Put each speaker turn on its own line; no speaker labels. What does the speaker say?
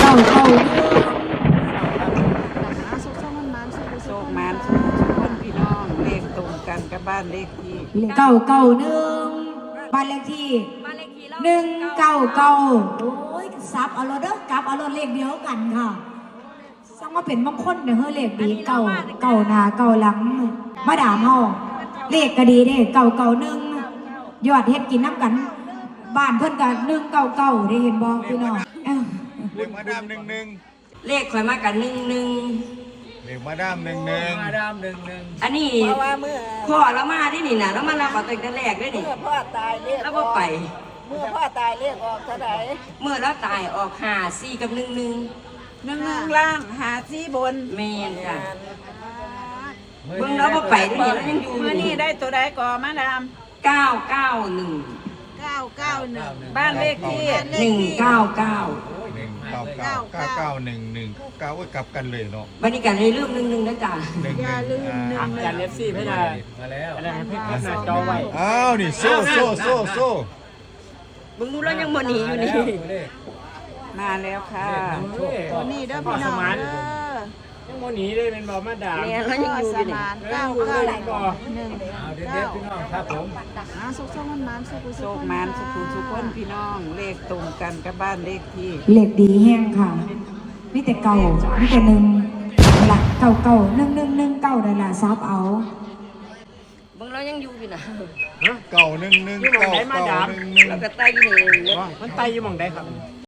เก้า
โชคมันสุขคนพี่น้องเลขตรงกันกับบ้านเลขที่
เก้าเก้าหนึ่งบ้านเลขที่199โอ้ยซับเอารถเด้อกลับเอารถเลขเดียวกันค่ะซังว่าเป็นบางคนเนี่ยเฮ้ยเลขดีเก้าหน้าเก้าหลังมาด่าเฮาเลขก็ดีเด้1ยอดเฮ็ดกินน้ำกันบ้านเพิ่นกัน199ได้เห็นบ่พี่น้อง
เลขมาดาม11
เลขข่อยมากัน11
เลขมาดาม11
อันนี้พ่อเรามาที่นี่นะเรามารับเอาตั้งแต่แรกด้วยนี่
พ่อตายเลข
แล้วบ่ไป
เมื่อพ่อตายเลขออกเท่าไหร่
เมื่อเราตายออก54กับ
11ล่าง54บน
แม่นจ้ะเบิ่งเราบ่ไปนี่เรายังอยู่
มื้อนี้ได้ตัวใดก่อมาดาม
991
บ้านเลขที่
199
99119ไว้กลับกันเลยเนาะ
บรรยากาศเลยลืม11นะจ๊ะ
อย่าลืม
จานเอฟซีเพื่อนมาแล้วอะไรให้เพื่อนหน้าจอไว้
อ้าวนี่โซ่
มึงดูแล้วยังบ่หนีอยู่นี่
มาแล้วค่ะตัวนี้เด้อพี่น้อง
ยังโมหนีเลยเป็นบอมาด่า
เนี่ยเรายังอยู่อยู่นี่
991
เด็ดพี่น้องครับผม
สุขมันสุขคนพี่น้องเลขตรงกันกับบ้านเลขที่
เลขดีแห้งค่ะมีแต่เก่ามีแต่1หลักเก่า1119ได้ล่ะซับเอา
มึงเรายังอยู่อยู่นะ
911 991
แล้วก็ไต่อยู่นี่
มันไตอยู่มองได้ครับ